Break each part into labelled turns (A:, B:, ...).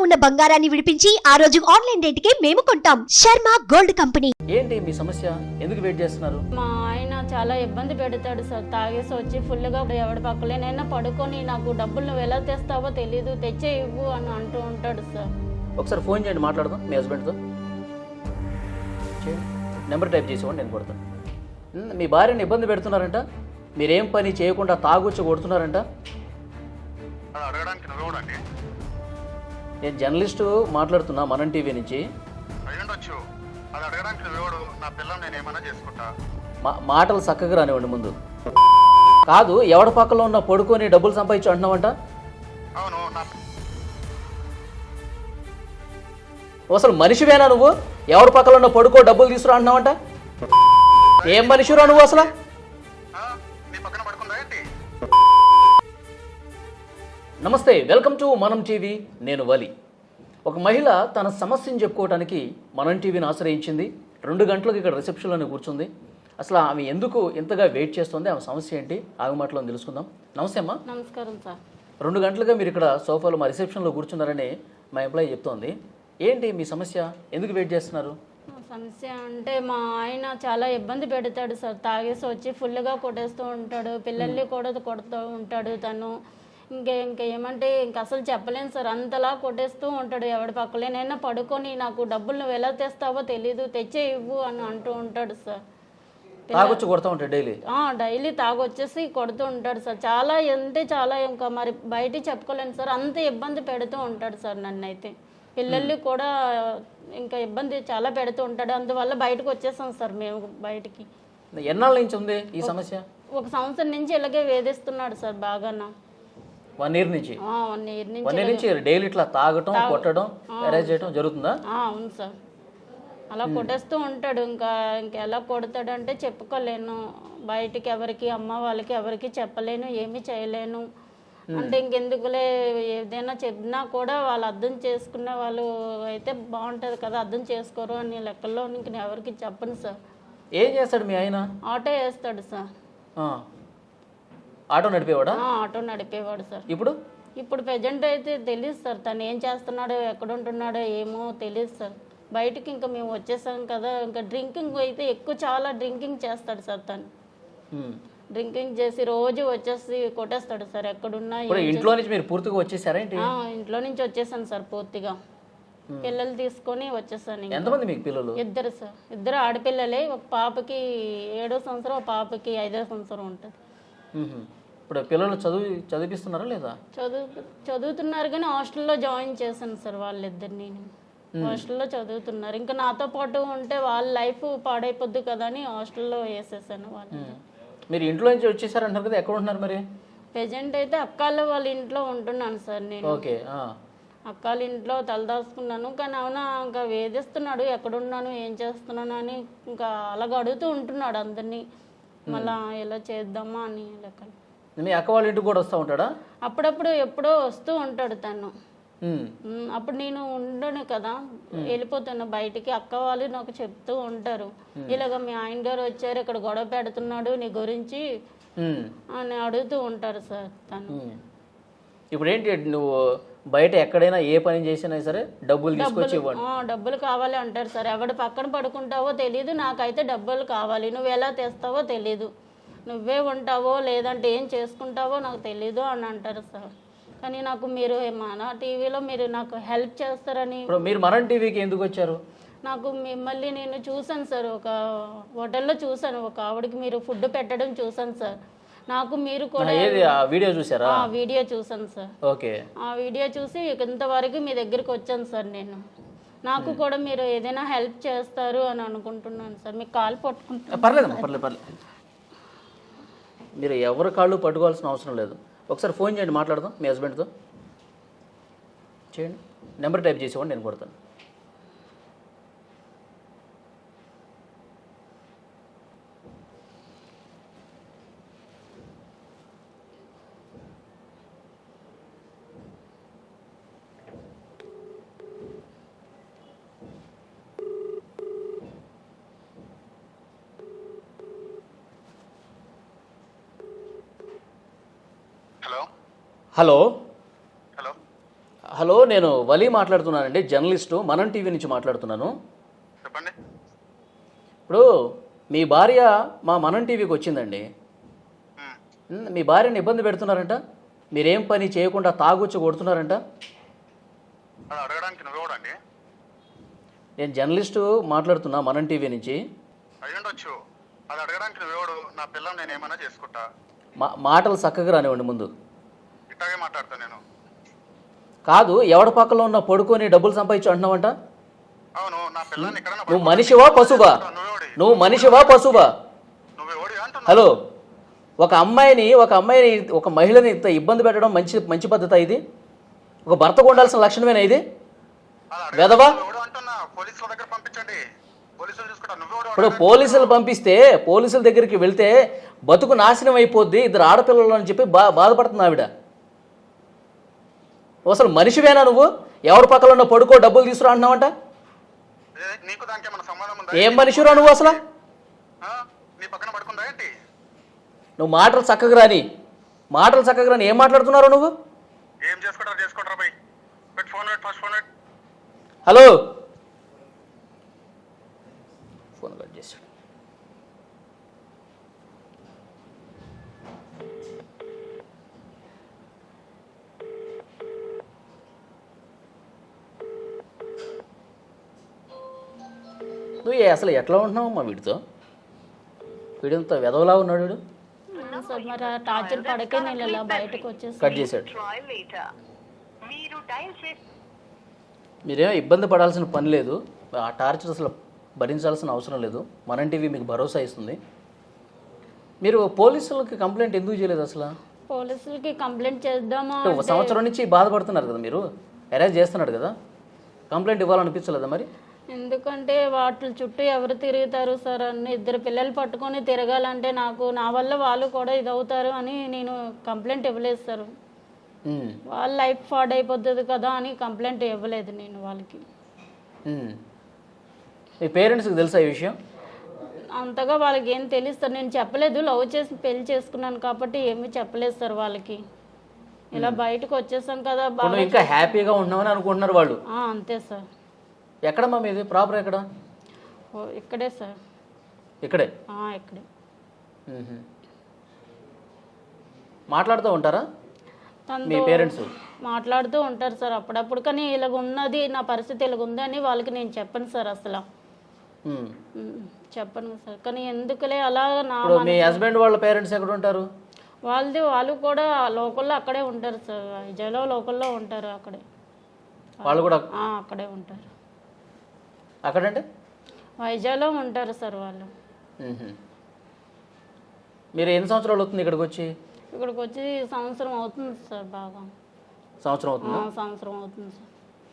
A: ఉన్న బంగారాన్ని విడిపించి ఆ రోజు ఆన్లైన్ రేటుకే మేము కొంటాం. Sharma gold company.
B: ఏంటి మీ సమస్య? ఎందుకు వెయిట్ చేస్తున్నారు?
C: మా ఆయన చాలా ఇబ్బంది పెడతాడు సార్. తాగేసి వచ్చి ఫుల్గా ఎవడి పక్కలేనైనా పడుకొని నాకు డబ్బులు నువ్వు ఎలా తెస్తావో తెలీదు, తెచ్చే ఇవ్వు అని అంటూ ఉంటాడు సార్.
B: ఒకసారి ఫోన్ చేయండి, మాట్లాడదాం మీ హస్బెండ్తో. చేయండి, నెంబర్ టైప్ చేసేవాడి, నేను కొడతాను. మీ భార్యని ఇబ్బంది పెడుతున్నారంట, మీరేం పని చేయకుండా తాగుచ్చి కొడుతున్నారంట.
D: అడగడానికి నువ్వెవడండి?
B: నేను జర్నలిస్టు మాట్లాడుతున్నా, మనం టీవీ నుంచి.
D: అయ్యుండొచ్చు. అది అడగడానికి నువ్వెవడు? నా పిల్లని నేను ఏమైనా చేసుకుంటా.
B: మాటలు చక్కగా రానివ్వండి ముందు. కాదు, ఎవడ పక్కలో ఉన్న పడుకొని డబ్బులు సంపాదించు అంటున్నావంట.
D: అవును, నా
B: అసలు మనిషివేనా నువ్వు? ఎవరి పక్కలో ఉన్న పడుకో డబ్బులు తీసుకురా అంటున్నావంట. ఏం మనిషిరా నువ్వు అసలు?
D: నీ పక్కన పడుకుందా ఏంటి?
B: నమస్తే, వెల్కమ్ టు మనం టీవీ. నేను వలి. ఒక మహిళ తన సమస్యను చెప్పుకోవడానికి మనం టీవీని ఆశ్రయించింది. 2 గంటలకు ఇక్కడ రిసెప్షన్లోనే కూర్చుంది. అసలు ఆమె ఎందుకు ఇంతగా వెయిట్ చేస్తుంది, ఆమె సమస్య ఏంటి, ఆమె మాటలో తెలుసుకుందాం. నమస్తే అమ్మా.
C: నమస్కారం సార్.
B: 2 గంటలుగా మీరు ఇక్కడ సోఫాలో మా రిసెప్షన్లో కూర్చున్నారని మా ఎంప్లాయీ చెప్తోంది. ఏంటి మీ సమస్య? ఎందుకు వెయిట్ చేస్తున్నారు?
C: సమస్య అంటే మా ఆయన చాలా ఇబ్బంది పెడతాడు సార్. తాగేసి వచ్చి ఫుల్గా కొట్టేస్తూ ఉంటాడు, పిల్లల్ని కూడా కొడుతూ ఉంటాడు తను. ఇంకా ఏమంటే అసలు చెప్పలేను సార్, అంతలా కొట్టేస్తూ ఉంటాడు. ఎవడి పక్కలేనైనా పడుకొని నాకు డబ్బులు నువ్వు ఎలా తెస్తావో తెలీదు, తెచ్చే ఇవ్వు అని అంటూ ఉంటాడు సార్.
B: తాగొచ్చి కొడతా ఉంటాడు డైలీ.
C: డైలీ తాగొచ్చేసి కొడుతూ ఉంటాడు సార్. చాలా అంటే చాలా, ఇంకా మరి బయట చెప్పుకోలేను సార్, అంత ఇబ్బంది పెడుతూ ఉంటాడు సార్ నన్ను అయితే. పిల్లల్ని కూడా ఇంకా ఇబ్బంది చాలా పెడుతూ ఉంటాడు. అందువల్ల బయటకు వచ్చేసాం సార్ మేము బయటికి.
B: ఎన్నాళ్ళ నుంచి ఉంది ఈ సమస్య?
C: 1 సంవత్సరం నుంచి ఇలాగే వేధిస్తున్నాడు సార్ బాగా.
B: 1 ఇయర్ నుంచి?
C: 1 ఇయర్ నుంచి.
B: 1 ఇయర్ నుంచి డైలీ ఇట్లా తాగటం, కొట్టడం, అరేంజ్ చేయడం జరుగుతుందా?
C: అవును సార్, అలా కొట్టేస్తూ ఉంటాడు. ఇంకా ఎలా కొడతాడంటే చెప్పుకోలేను బయటికి, ఎవరికి అమ్మ వాళ్ళకి ఎవరికి చెప్పలేను, ఏమీ చేయలేను. అంటే ఇంకెందుకులే, ఏదైనా చెప్పినా కూడా వాళ్ళు అర్థం చేసుకునే వాళ్ళు అయితే బాగుంటుంది కదా, అర్థం చేసుకోరు అని లెక్కల్లో ఇంక నేను ఎవరికి చెప్పను సార్.
B: ఏం చేస్తాడు మీ ఆయన?
C: ఆటో వేస్తాడు సార్.
B: ఆటో నడిపేవాడా?
C: ఆటో నడిపేవాడు సార్.
B: ఇప్పుడు
C: ప్రజెంట్ అయితే తెలియదు సార్, తను ఏం చేస్తున్నాడో ఎక్కడ ఉంటున్నాడో ఏమో తెలియదు సార్. బయటికి ఇంకా మేము వచ్చేసాం కదా, ఇంకా డ్రింకింగ్ అయితే ఎక్కువ, చాలా డ్రింకింగ్ చేస్తాడు సార్ తను. డ్రింకింగ్ చేసి రోజు వచ్చేసి కొట్టేస్తాడు సార్ ఎక్కడున్నా.
B: ఇంట్లో నుంచి మీరు పూర్తిగా వచ్చేసారా?
C: ఇంట్లో నుంచి వచ్చేసాను సార్ పూర్తిగా. పిల్లలు తీసుకొని వచ్చేసాను.
B: ఎంతమంది మీకు పిల్లలు?
C: 2 సార్. 2 ఆడపిల్లలే. ఒక పాపకి 7వ సంవత్సరం, ఒక పాపకి 5వ సంవత్సరం ఉంటుంది.
B: ఇప్పుడు పిల్లలు చదివిస్తున్నారా లేదా?
C: చదువుతున్నారు కానీ హాస్టల్లో జాయిన్ చేశాను సార్ వాళ్ళిద్దరిని. హాస్టల్లో చదువుతున్నారు. ఇంకా నాతో పాటు ఉంటే వాళ్ళ లైఫ్ పాడైపోద్ది కదా అని హాస్టల్లో వేసేసాను వాళ్ళు.
B: మీరు ఇంట్లో నుంచి వచ్చేసారంటారు కదా, ఎక్కడ ఉంటున్నారు మరి?
C: ప్రెజెంట్ అయితే అక్కాళ్ళ వాళ్ళ ఇంట్లో ఉంటున్నాను సార్ నేను.
B: ఓకే.
C: అక్కాళ్ళ ఇంట్లో తలదాచుకున్నాను. కానీ అవునా ఇంకా వేధిస్తున్నాడు, ఎక్కడున్నాను ఏం చేస్తున్నాను అని ఇంకా అలాగ అడుగుతూ ఉంటున్నాడు అందరినీ. మళ్ళా ఎలా చేద్దామా అని లెక్క.
B: మీ అక్క వాళ్ళ ఇంటికి కూడా వస్తూ ఉంటాడా?
C: అప్పుడప్పుడు ఎప్పుడో వస్తూ ఉంటాడు తను. అప్పుడు నేను ఉండను కదా, వెళ్ళిపోతాను బయటికి. అక్క వాళ్ళు నాకు చెప్తూ ఉంటారు, ఇలాగ మీ ఆయన గారు వచ్చారు, ఇక్కడ గొడవ పెడుతున్నాడు నీ గురించి అని అడుగుతూ ఉంటారు సార్ తను.
B: ఇప్పుడు ఏంటి, నువ్వు బయట ఎక్కడైనా ఏ పని చేసినా సరే డబ్బులు తీసుకొచ్చి ఇవ్వండి.
C: డబ్బులు కావాలి అంటారు సార్. ఎవడు పక్కన పడుకుంటావో తెలీదు, నాకైతే డబ్బులు కావాలి, నువ్వు ఎలా తెస్తావో తెలీదు, నువ్వే ఉంటావో లేదంటే ఏం చేసుకుంటావో నాకు తెలీదు అని అంటారు సార్. కానీ నాకు మీరు మన టీవీలో మీరు నాకు హెల్ప్ చేస్తారని.
B: మీరు మనం టీవీకి ఎందుకు వచ్చారు?
C: నాకు మిమ్మల్ని నేను చూసాను సార్, ఒక హోటల్లో చూసాను, ఒక ఆవిడకి మీరు ఫుడ్ పెట్టడం చూసాను సార్. నాకు మీరు కూడా
B: వీడియో చూసారా?
C: వీడియో చూసాను సార్.
B: ఓకే.
C: ఆ వీడియో చూసి ఇంతవరకు మీ దగ్గరికి వచ్చాను సార్ నేను. నాకు కూడా మీరు ఏదైనా హెల్ప్ చేస్తారు అని అనుకుంటున్నాను సార్. మీకు కాలు పట్టుకుంటాను.
B: పర్లేదు. మీరు ఎవరి కాళ్ళు పట్టుకోవాల్సిన అవసరం లేదు. ఒకసారి ఫోన్ చేయండి, మాట్లాడదాం మీ హస్బెండ్తో. చేయండి, నెంబర్ టైప్ చేసేవాడిని, నేను కొడతాను.
D: హలో
B: హలో
D: హలో
B: హలో, నేను వలి మాట్లాడుతున్నానండి, జర్నలిస్టు, మనం టీవీ నుంచి మాట్లాడుతున్నాను.
D: చెప్పండి.
B: ఇప్పుడు మీ భార్య మా మనం టీవీకి వచ్చిందండి. మీ భార్యని ఇబ్బంది పెడుతున్నారంట, మీరేం పని చేయకుండా తాగొచ్చి కొడుతున్నారంట.
D: అది అడగడానికి నువ్వెవడండి?
B: నేను జర్నలిస్టు మాట్లాడుతున్నా, మనం టీవీ నుంచి.
D: అయ్యుండొచ్చు. అది అడగడానికి నువ్వెవడు? నా పిల్లం నేను ఏమైనా చేసుకుంటా.
B: మాటలు చక్కగా రానివ్వండి ముందు.
D: ఇట్లాగే మాట్లాడతా నేను.
B: కాదు, ఎవడ పక్కలో ఉన్న పడుకొని డబ్బులు సంపాదించు అంటున్నావంట.
D: అవును, నా పిల్లని ఇక్కడ
B: నువ్వు మనిషివా పశువా? నువ్వు మనిషివా పశువా?
D: నువ్వెవడి అంటున్నా?
B: హలో, ఒక మహిళని ఇంత ఇబ్బంది పెట్టడం మంచి పద్ధతి ఇది? ఒక భర్తకు ఉండాల్సిన లక్షణమేనా ఇది? వెధవా?
D: నువ్వెవడు అంటున్నా? పోలీసుల దగ్గర పంపించండి, పోలీసులు చూసుకుంటా. నువ్వెవడు?
B: ఇప్పుడు పోలీసులు పంపిస్తే పోలీసుల దగ్గరికి వెళ్తే బతుకు నాశనం అయిపోద్ది, ఇద్దరు ఆడపిల్లలు అని చెప్పి బాధపడుతుంది ఆవిడ. అసలు మనిషివేనా నువ్వు? ఎవరి పక్కన ఉన్న పడుకో డబ్బులు తీసుకురా అంటున్నావంట.
D: నీకు దానికి ఏమైనా సంబంధం ఉందా?
B: ఏం మనిషిరా నువ్వు అసలు?
D: నీ పక్కన పడుకుందా ఏంటి?
B: నువ్వు మాటలు చక్కగా రాని ఏం మాట్లాడుతున్నావు నువ్వు?
D: ఏం చేసుకుంటారా బై? పెట్టి ఫోన్ పెట్టి, ఫస్ట్ ఫోన్ పెట్టి.
B: హలో, ఫోన్ కట్ చేశాడు. నువ్వు అసలు ఎట్లా ఉంటున్నావు మా వీడితో? వీడంతా వెదవలా ఉన్నాడు వీడు.
C: సార్ మరి ఆ టార్చర్ పడకే నేను ఇలా బయటకు వచ్చేసి
B: కట్ చేశాడు. మీరేమో ఇబ్బంది పడాల్సిన పని లేదు, ఆ టార్చర్ అసలు భరించాల్సిన అవసరం లేదు. మనం టీవీ మీకు భరోసా ఇస్తుంది. మీరు పోలీసులకి కంప్లైంట్ ఎందుకు చేయలేదు అసలు?
C: పోలీసులకి కంప్లైంట్ చేద్దామా
B: ఒక సంవత్సరం నుంచి బాధపడుతున్నారు కదా మీరు, అరెస్ట్ చేస్తున్నాడు కదా, కంప్లైంట్ ఇవ్వాలనిపించలేదా మరి?
C: ఎందుకంటే వాటి చుట్టూ ఎవరు తిరుగుతారు సార్, అన్ని ఇద్దరు పిల్లలు పట్టుకొని తిరగాలంటే నా వల్ల వాళ్ళు కూడా ఇదవుతారు అని నేను కంప్లైంట్ ఇవ్వలేదు సార్. వాళ్ళ లైఫ్ ఫాడ్ అయిపోతుంది కదా అని కంప్లైంట్ ఇవ్వలేదు నేను వాళ్ళకి.
B: మీ పేరెంట్స్కి తెలుసా ఈ విషయం?
C: అంతగా వాళ్ళకి ఏం తెలుసు సార్, నేను చెప్పలేదు. లవ్ చేసి పెళ్లి చేసుకున్నాను కాబట్టి ఏమీ చెప్పలేదు సార్ వాళ్ళకి. ఇలా బయటకు వచ్చేసాం కదా,
B: ఇంకా హ్యాపీగా ఉన్నామని అనుకుంటున్నారు వాళ్ళు.
C: అంతే సార్.
B: ఎక్కడమ్మా మీది? ప్రాపర్ ఎక్కడ?
C: ఇక్కడే సార్.
B: ఇక్కడే?
C: ఇక్కడే.
B: మాట్లాడుతూ ఉంటారా మీ పేరెంట్స్?
C: మాట్లాడుతూ ఉంటారు సార్ అప్పుడప్పుడు, కానీ ఇలాగ ఉన్నది, నా పరిస్థితి ఇలాగ ఉంది అని వాళ్ళకి నేను చెప్పను సార్, అసలు చెప్పను సార్. కానీ ఎందుకులే అలా.
B: మీ హస్బెండ్ వాళ్ళ పేరెంట్స్ ఎక్కడ ఉంటారు?
C: వాళ్ళు కూడా లోకల్లో అక్కడే ఉంటారు సార్, విజయలో లోకల్లో ఉంటారు. అక్కడే
B: వాళ్ళు కూడా
C: అక్కడే ఉంటారు.
B: అక్కడంటే
C: వైజాగ్లో ఉంటారు సార్ వాళ్ళు.
B: మీరు ఎన్ని సంవత్సరాలు అవుతుంది ఇక్కడికి వచ్చి?
C: ఇక్కడికి వచ్చి సంవత్సరం అవుతుంది సార్. బాగా
B: సంవత్సరం అవుతుంది.
C: సంవత్సరం అవుతుంది సార్.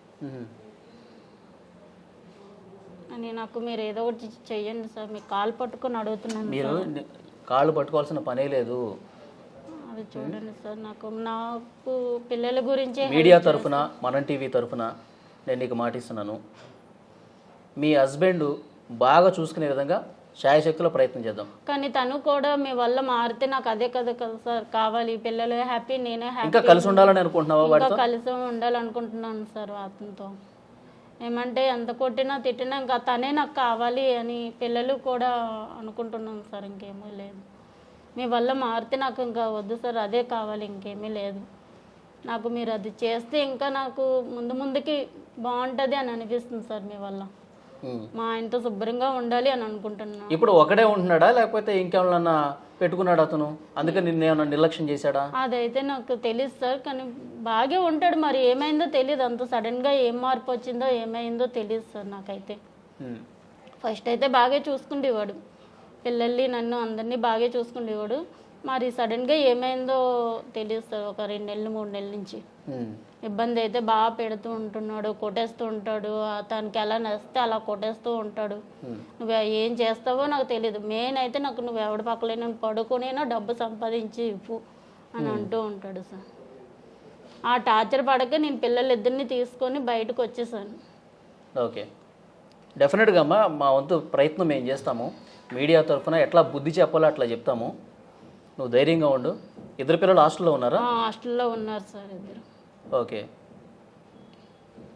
C: అని నాకు మీరు ఏదో ఒకటి చెయ్యండి సార్, మీ కాలు పట్టుకొని అడుగుతున్నాను.
B: మీరు కాళ్ళు పట్టుకోవాల్సిన పనే లేదు.
C: అది చూడండి సార్, నాకు పిల్లల గురించి
B: మీడియా తరఫున, మనం టీవీ తరఫున నేను నీకు మాటిస్తున్నాను, మీ హస్బెండ్ బాగా చూసుకునే విధంగా శాయశక్తిలో ప్రయత్నం చేద్దాం.
C: కానీ తను కూడా మీ వల్ల మారితే నాకు అదే కదా సార్ కావాలి. పిల్లలు హ్యాపీ, నేనే హ్యాపీ.
B: ఇంకా కలిసి ఉండాలని అనుకుంటున్నావా?
C: ఇంకా కలిసి ఉండాలనుకుంటున్నాను సార్ అతనితో. ఏమంటే ఎంత కొట్టినా తిట్టినా ఇంకా తనే నాకు కావాలి అని పిల్లలు కూడా అనుకుంటున్నాను సార్. ఇంకేమీ లేదు, మీ వల్ల మారితే నాకు ఇంకా వద్దు సార్, అదే కావాలి, ఇంకేమీ లేదు నాకు. మీరు అది చేస్తే ఇంకా నాకు ముందుకి బాగుంటుంది అని అనిపిస్తుంది సార్ మీ వల్ల. మా ఆయనతో శుభ్రంగా ఉండాలి అని అనుకుంటున్నా.
B: ఇప్పుడు ఒకడే ఉంటున్నాడా లేకపోతే ఇంకేమన్నా పెట్టుకున్నాడు అతను, అందుకని నిన్నేమన్నా నిర్లక్ష్యం చేశాడా?
C: అదైతే నాకు తెలియదు సార్, కానీ బాగా ఉంటాడు. మరి ఏమైందో తెలియదు, అంత సడన్గా ఏం మార్పు వచ్చిందో ఏమైందో తెలియదు సార్ నాకైతే. ఫస్ట్ అయితే బాగా చూసుకుండేవాడు, పిల్లల్ని నన్ను అందరినీ బాగా చూసుకుండేవాడు. మరి సడన్గా ఏమైందో తెలియదు సార్. ఒక 2 నెలలు 3 నెలల నుంచి ఇబ్బంది అయితే బాగా పెడుతూ ఉంటున్నాడు, కొట్టేస్తూ ఉంటాడు. తనకి ఎలా నచ్చితే అలా కొట్టేస్తూ ఉంటాడు. నువ్వు ఏం చేస్తావో నాకు తెలియదు, మెయిన్ అయితే నాకు నువ్వు ఎవడి పక్కలేనా పడుకునేనా డబ్బు సంపాదించి ఇవ్వు అని అంటూ ఉంటాడు సార్. ఆ టార్చర్ పడక నేను పిల్లలిద్దరిని తీసుకొని బయటకు వచ్చేసాను.
B: ఓకే, డెఫినెట్గా అమ్మా, మా వంతు ప్రయత్నం మేము చేస్తాము. మీడియా తరఫున ఎట్లా బుద్ధి చెప్పాలో అట్లా చెప్తాము. నువ్వు ధైర్యంగా ఉండు. ఇద్దరు పిల్లలు హాస్టల్లో ఉన్నారా?
C: హాస్టల్లో ఉన్నారు సార్ ఇద్దరు.
B: ఓకే,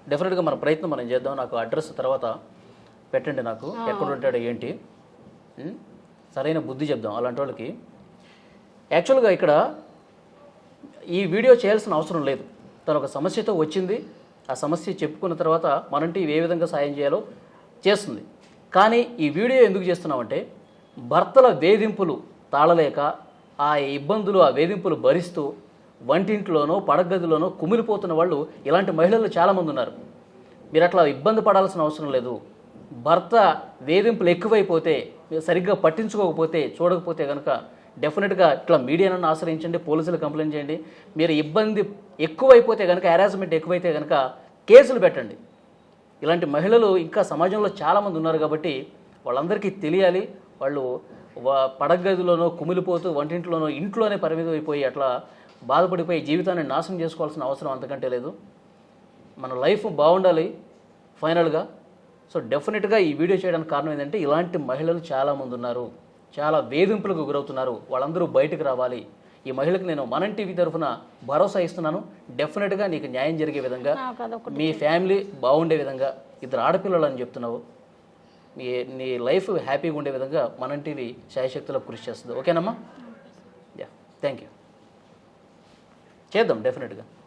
B: డెఫినెట్గా మన ప్రయత్నం మనం చేద్దాం. నాకు అడ్రస్ తర్వాత పెట్టండి, నాకు ఎక్కడ ఉంటాడో ఏంటి, సరైన బుద్ధి చెప్దాం అలాంటి వాళ్ళకి. యాక్చువల్గా ఇక్కడ ఈ వీడియో చేయాల్సిన అవసరం లేదు. తను ఒక సమస్యతో వచ్చింది, ఆ సమస్య చెప్పుకున్న తర్వాత మనంటి ఏ విధంగా సాయం చేయాలో చేస్తుంది. కానీ ఈ వీడియో ఎందుకు చేస్తున్నామంటే భర్తల వేధింపులు తాళలేక ఆ ఇబ్బందులు ఆ వేధింపులు భరిస్తూ వంటింట్లోనో పడగదిలోనో కుమిలిపోతున్న వాళ్ళు ఇలాంటి మహిళలు చాలామంది ఉన్నారు. మీరు అట్లా ఇబ్బంది పడాల్సిన అవసరం లేదు. భర్త వేధింపులు ఎక్కువైపోతే, మీరు సరిగ్గా పట్టించుకోకపోతే, చూడకపోతే కనుక డెఫినెట్గా ఇట్లా మీడియాను ఆశ్రయించండి, పోలీసులు కంప్లైంట్ చేయండి. మీరు ఇబ్బంది ఎక్కువైపోతే కనుక, హెరాస్మెంట్ ఎక్కువైతే కనుక కేసులు పెట్టండి. ఇలాంటి మహిళలు ఇంకా సమాజంలో చాలామంది ఉన్నారు కాబట్టి వాళ్ళందరికీ తెలియాలి. వాళ్ళు పడగదిలోనో కుమిలిపోతూ వంటింట్లోనో ఇంట్లోనే పరిమితం అయిపోయి అట్లా బాధపడిపోయి జీవితాన్ని నాశనం చేసుకోవాల్సిన అవసరం అంతకంటే లేదు. మన లైఫ్ బాగుండాలి ఫైనల్గా. సో డెఫినెట్గా ఈ వీడియో చేయడానికి కారణం ఏంటంటే ఇలాంటి మహిళలు చాలామంది ఉన్నారు, చాలా వేధింపులకు గురవుతున్నారు. వాళ్ళందరూ బయటకు రావాలి. ఈ మహిళకు నేను మనం టీవీ తరఫున భరోసా ఇస్తున్నాను. డెఫినెట్గా నీకు న్యాయం జరిగే విధంగా, మీ ఫ్యామిలీ బాగుండే విధంగా, 2 ఆడపిల్లలు అని చెప్తున్నావు, నీ లైఫ్ హ్యాపీగా ఉండే విధంగా మనం టీవీ శాయశక్తిలో కృషి చేస్తుంది. ఓకేనమ్మా? Yeah, thank you. చేద్దాం డెఫినెట్గా.